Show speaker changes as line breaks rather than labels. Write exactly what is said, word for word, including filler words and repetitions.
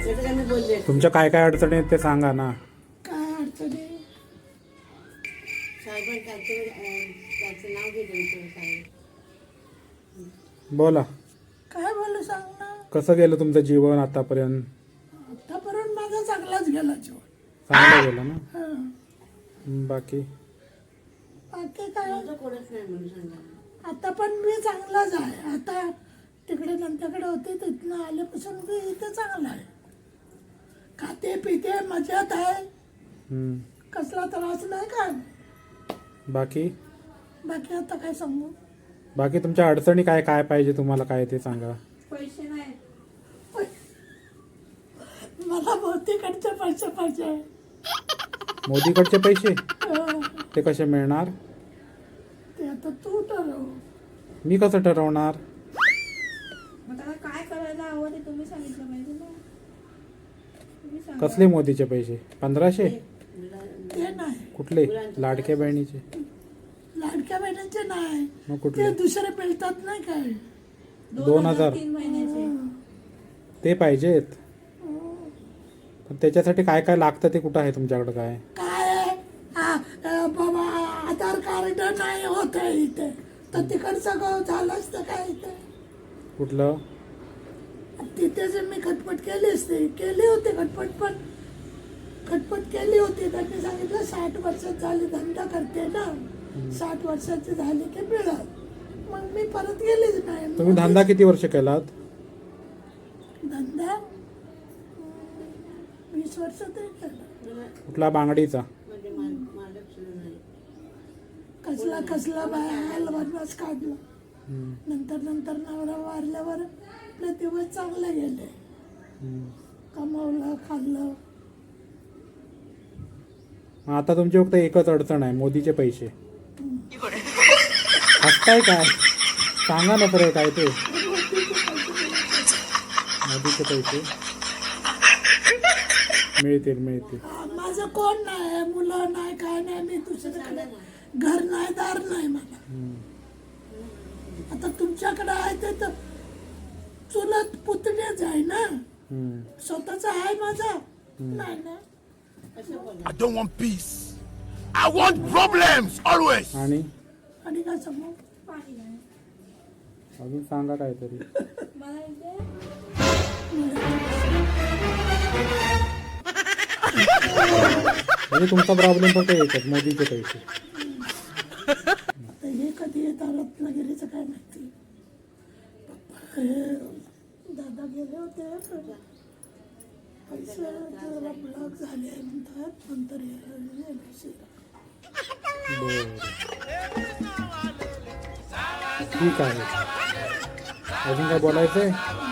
तुमच्या काय काय अडचणी आहेत ते सांगा ना.
काय अडचणी
बोला.
काय बोलू सांग ना.
कसं गेलं तुमचं जीवन आतापर्यंत?
आतापर्यंत माझा चांगलाच गेला जीवन.
चांगलं गेलं ना.
हं.
बाकी
बाकी काय आता पण मी चांगलाच आहे. आता तिकडे नंतरकडे होते तिथनं आल्यापासून मी इथे चांगला आहे. खाते पिते मजेत आहे.
हम्म.
कसला त्रास नाही काय.
बाकी
बाकी आता काय सांगू.
बाकी तुमच्या अडचणी काय काय पाहिजे तुम्हाला काय ते सांगा.
पैसे नाही. मला मोदीकडचे पैसे पाहिजे.
मोदीकडचे पैसे
हं.
ते कसे मिळणार?
ते आता तू ठरव.
मी कसं ठरवणार?
मग त्याला काय करायला हवं ते तुम्ही सांगितलं पाहिजे ना. तुम्ही सांगा.
कसले मोदीचे पैसे? पंधराशे?
ते नाही.
कुठले? लाडक्या बहिणीचे?
लाडक्या बहिणीचे नाही.
मग
ते
कुठले?
दुसरे मिळतात नाही काय.
दोन हजार
तीन महिन्याचे.
हं.
ते पाहिजेत.
हं.
पण त्याच्यासाठी काय काय लागतं ते कुठं आहे तुमच्याकडे काय?
काय आहे? आ, अ, बाबा आधार कार्ड नाही होत आहे इथे. तर तिकडचं गाव झालं असतं काय इथे.
कुठलं?
तिथे जे मी खटपट केली असते केली होती खटपट पण खटपट केली होती. त्यांनी सांगितलं साठ वर्षात झाली धंदा करते ना. साठ वर्षाची झाली की मिळत. मग मी परत गेलीच नाही.
तुम्ही धंदा किती वर्ष केलात?
धंदा अं, वीस वर्ष तरी केला.
कुठला? बांगडीचा?
कसला कसला बाहेर वनवास काढला.
हम्म.
नंतर नंतर नवरा वारल्यावर आपले दिवस चांगले गेले.
हम्म.
कमावलं खाल्लं.
मग आता तुमची फक्त एकच अडचण आहे, मोदीचे पैसे. हसताय काय? सांगा ना खरं काय ते. मोदीचे पैसे मिळतील मिळतील.
हा, माझं कोण नाही. मुलं नाही काय नाही. मी दुसरीकडे घर नाही दार नाही मला.
हम्म.
आता तुमच्याकडे आहे ते तर चुलत पुतणेच आहे ना.
हम्म.
स्वतःचा आहे माझा नाही ना.
I don't want peace. I want problems always.
आणि
आणि काय सांगू.
पाणी नाही.
अजून सांगा काहीतरी.
मला इथे
म्हणजे तुमचा प्रॉब्लेम फक्त एकच, मोदीचे पैसे.
आता हे कधी येतात रत्नागिरीचं काय माहिती. पप्पा हे दादा गेले होते पण पैसे जरा ब्लॉक झाले म्हणतात. नंतर हे उशिरा.
बरं ठीक आहे. अजून काय बोलायचंय?